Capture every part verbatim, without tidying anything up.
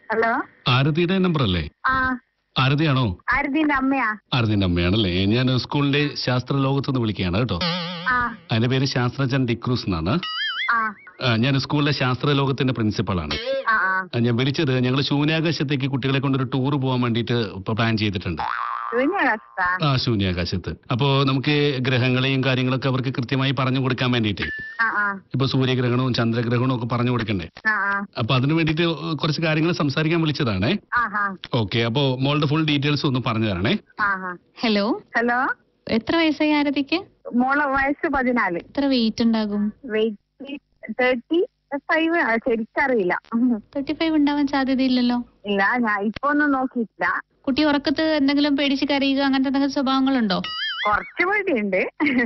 Hello, ആരതിയുടെ number അല്ലേ? ആ ആരതിയാണോ? ആരതിന്റെ അമ്മയാ. ആരതിന്റെ അമ്മയാണല്ലേ? ഞാൻ സ്കൂളിന്റെ ശാസ്ത്ര ലോകത്തുനിന്ന് വിളിക്കുകയാണ് കേട്ടോ. ആ അതിന്റെ പേര് ശാസ്ത്രജ്ഞൻ ഡിക്രൂസ് എന്നാണ്. ആ ആ, ഞാൻ സ്കൂളിലെ ശാസ്ത്ര ലോകത്തിന്റെ പ്രിൻസിപ്പളാണ്. ആ ആ, ഞാൻ വിളിച്ചത് ഞങ്ങൾ ശൂന്യാകാശത്തേക്ക് കുട്ടികളെ കൊണ്ടൊരു ടൂർ പോകാൻ വേണ്ടിയിട്ട് പ്ലാൻ ചെയ്തിട്ടുണ്ട്. ശൂന്യാകാശത്താ? ആ, ശൂന്യാകാശത്ത്. അപ്പോ നമുക്ക് ഗ്രഹങ്ങളെയും കാര്യങ്ങളൊക്കെ അവർക്ക് കൃത്യമായി പറഞ്ഞു കൊടുക്കാൻ വേണ്ടിയിട്ട് ആ ആ ഇപ്പൊ സൂര്യഗ്രഹണവും ചന്ദ്രഗ്രഹണവും ഒക്കെ പറഞ്ഞു കൊടുക്കണ്ടേ? ആ ആ അപ്പൊ അതിന് വേണ്ടിയിട്ട് കുറച്ച് കാര്യങ്ങൾ സംസാരിക്കാൻ വിളിച്ചതാണേ. ആഹാ. ഓക്കെ, അപ്പോ മോളുടെ ഫുൾ ഡീറ്റെയിൽസ് ഒന്ന് പറഞ്ഞു തരണേ. ആഹാ. ഹലോ, ഹലോ, എത്ര വയസ്സായി ആരതിക്ക്? മോളെ വയസ്സ് പതിനാല്. എത്ര വെയിറ്റ് ഉണ്ടാകും? Weight thirty five. ശരിക്കറിയില്ല. തേർട്ടി ഫൈവ് ഉണ്ടാവാൻ സാധ്യതയില്ലല്ലോ. ഇല്ല, ഞാൻ ഇപ്പൊ ഒന്നും നോക്കിയിട്ടില്ല. കുട്ടി ഉറക്കത്ത് എന്തെങ്കിലും പേടിച്ച് കരയുക അങ്ങനത്തെ എന്തെങ്കിലും സ്വഭാവങ്ങളുണ്ടോ? കുറച്ച് പേടിയുണ്ട്.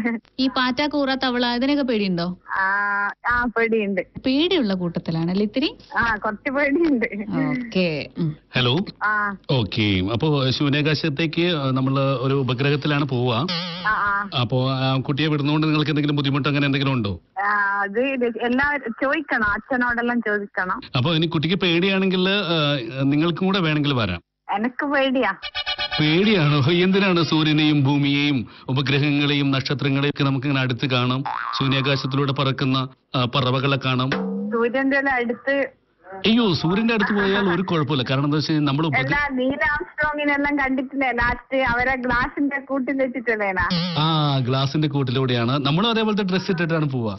ഈ പാറ്റ, കൂറ, തവള ഇതിനൊക്കെ പേടിയുണ്ടോ? ആ ആ പേടിയുണ്ട്. പേടിയുള്ള കൂട്ടത്തിലാണല്ലേ ഇത്തിരി? ആ കുറച്ച് പേടിയുണ്ട്. ഓക്കെ. ഹലോ. ആ ഓക്കെ, അപ്പോ ശൂന്യാകാശത്തേക്ക് നമ്മൾ ഒരു ഉപഗ്രഹത്തിലാണ് പോവുക. ആ ആ അപ്പോ ആ കുട്ടിയെ വിടുന്നതുകൊണ്ട് നിങ്ങൾക്ക് എന്തെങ്കിലും ബുദ്ധിമുട്ട് അങ്ങനെ എന്തെങ്കിലും ഉണ്ടോ? ആ, അത് എല്ലാവരും ചോദിക്കണം, അച്ഛനോടെല്ലാം ചോദിക്കണം. അപ്പൊ ഇനി കുട്ടിക്ക് പേടിയാണെങ്കിൽ നിങ്ങൾക്കും കൂടെ വേണമെങ്കിൽ വരാം. എനക്ക് പേടിയാ. പേടിയാണോ? എന്തിനാണ്? സൂര്യനെയും ഭൂമിയെയും ഉപഗ്രഹങ്ങളെയും നക്ഷത്രങ്ങളെയും ഒക്കെ നമുക്ക് ഇങ്ങനെ അടുത്ത് കാണാം. ശൂന്യാകാശത്തിലൂടെ പറക്കുന്ന ആ, പറവകളെ കാണാം. സൂര്യന്റെ അടുത്ത്. അയ്യോ, സൂര്യന്റെ അടുത്ത് പോയാൽ ഒരു കുഴപ്പമില്ല. കാരണം എന്താ വെച്ചാൽ നമ്മൾ എല്ലാ നീൽ ആംസ്ട്രോങ്ങിനെല്ലാം കണ്ടിട്ടില്ലേ ലാസ്റ്റ്? അവരെ ഗ്ലാസിന്റെ കൂട്ടിൽ വെച്ചിട്ടല്ലേനാ? ആ, ഗ്ലാസിന്റെ കൂട്ടിലൂടെയാണ്. നമ്മളും അതേപോലത്തെ ഡ്രസ് ഇട്ടിട്ടാണ് പോവാ.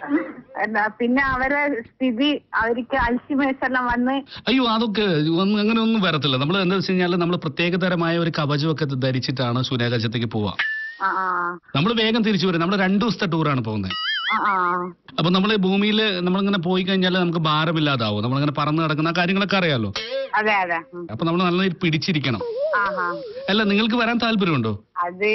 അല്ല, പിന്നെ അവരെ സ്ഥിതി, അവർക്ക് അൽഷിമേഴ്സ് എല്ലാം വന്ന്. അയ്യോ, അതൊക്കെ ഒന്നും അങ്ങനെ ഒന്നും വരത്തില്ല. നമ്മൾ എന്താ വെച്ച് കഴിഞ്ഞാൽ നമ്മൾ പ്രത്യേകതരമായ ഒരു കവചമൊക്കെ ധരിച്ചിട്ടാണ് ശൂന്യാകാശത്തേക്ക് പോവാ. ആ ആ നമ്മൾ വേഗം തിരിച്ചു വരും. നമ്മൾ രണ്ടു ദിവസത്തെ ടൂറാണ് പോകുന്നത്. ആ ആ അപ്പൊ നമ്മൾ ഭൂമിയിൽ നമ്മളിങ്ങനെ പോയി കഴിഞ്ഞാൽ നമുക്ക് ഭാരമില്ലാതാവും. നമ്മളിങ്ങനെ പറന്ന് നടക്കുന്ന ആ കാര്യങ്ങളൊക്കെ അറിയാലോ. അതെ അതെ. അപ്പൊ നമ്മൾ നല്ല പിടിച്ചിരിക്കണം. ആഹാ. അല്ല, നിങ്ങൾക്ക് വരാൻ താല്പര്യമുണ്ടോ? അത്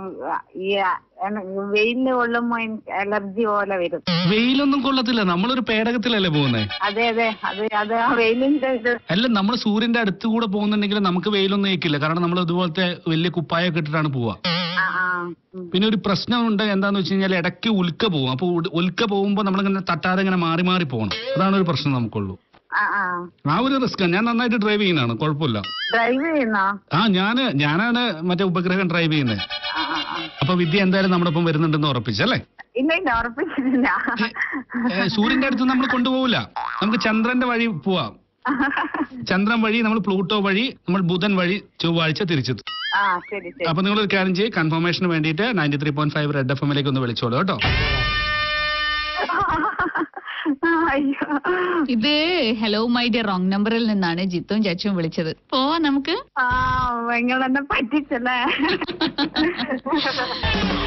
ഈ വെയിലിന് കൊള്ളുമ്പോ എനിക്ക് അലർജി പോലെ വരും. വെയിലൊന്നും കൊള്ളത്തില്ല. നമ്മളൊരു പേടകത്തിലല്ലേ പോകുന്നത്. അതെ അതെ, അത് അത് ആ വെയിലിന്റെ ഇത്. അല്ല, നമ്മൾ സൂര്യന്റെ അടുത്ത് കൂടെ പോകുന്നുണ്ടെങ്കിൽ നമുക്ക് വെയിലൊന്നും ഏക്കില്ല. കാരണം നമ്മൾ ഇതുപോലത്തെ വലിയ കുപ്പായൊക്കെ ഇട്ടിട്ടാണ് പോവാ. ആ ആ പിന്നെ ഒരു പ്രശ്നമുണ്ട്. എന്താന്ന് വെച്ച് കഴിഞ്ഞാൽ ഇടയ്ക്ക് ഉൽക്ക പോകും. അപ്പൊ ഉൽക്ക പോകുമ്പോ നമ്മളിങ്ങനെ തട്ടാതെ ഇങ്ങനെ മാറി മാറി പോകണം. അതാണ് ഒരു പ്രശ്നം നമുക്കുള്ളൂ. ആ ആ ആ ഒരു റിസ്ക്. ഞാൻ നന്നായിട്ട് ഡ്രൈവ് ചെയ്യുന്നതാണ്, കുഴപ്പമില്ല. ഡ്രൈവ് ചെയ്യുന്നോ? ആ, ഞാന് ഞാനാണ് മറ്റേ ഉപഗ്രഹം ഡ്രൈവ് ചെയ്യുന്നത്. ആ ആ ആ. അപ്പൊ വിദ്യ എന്തായാലും നമ്മുടെ ഒപ്പം വരുന്നുണ്ടെന്ന് ഉറപ്പിച്ചല്ലേ? ഇല്ല ഇല്ല, ഉറപ്പിച്ചിട്ടില്ല. ഏ, സൂര്യന്റെ അടുത്ത് നമ്മൾ കൊണ്ടുപോകില്ല. നമുക്ക് ചന്ദ്രന്റെ വഴി പോവാം. ചന്ദ്രൻ വഴി നമ്മൾ പ്ലൂട്ടോ വഴി നമ്മൾ ബുധൻ വഴി ചൊവ്വാഴ്ച തിരിച്ചെത്തും. ആ ശരി ശരി. അപ്പൊ നിങ്ങൾ ഒരു കാര്യം ചെയ്യും, കൺഫർമേഷന് വേണ്ടിയിട്ട് ninety three point five Red F എമ്മിലേക്ക് ഒന്ന് വിളിച്ചോളൂ കേട്ടോ. അയ്യോ, ഇത് ഹലോ മൈ ഡിയർ റോങ് നമ്പറിൽ നിന്നാണ് ജിത്തും ചച്ചും വിളിച്ചത്. പോവാ നമുക്ക്. ആ നിങ്ങളെന്നെ പറ്റിച്ചല്ലേ.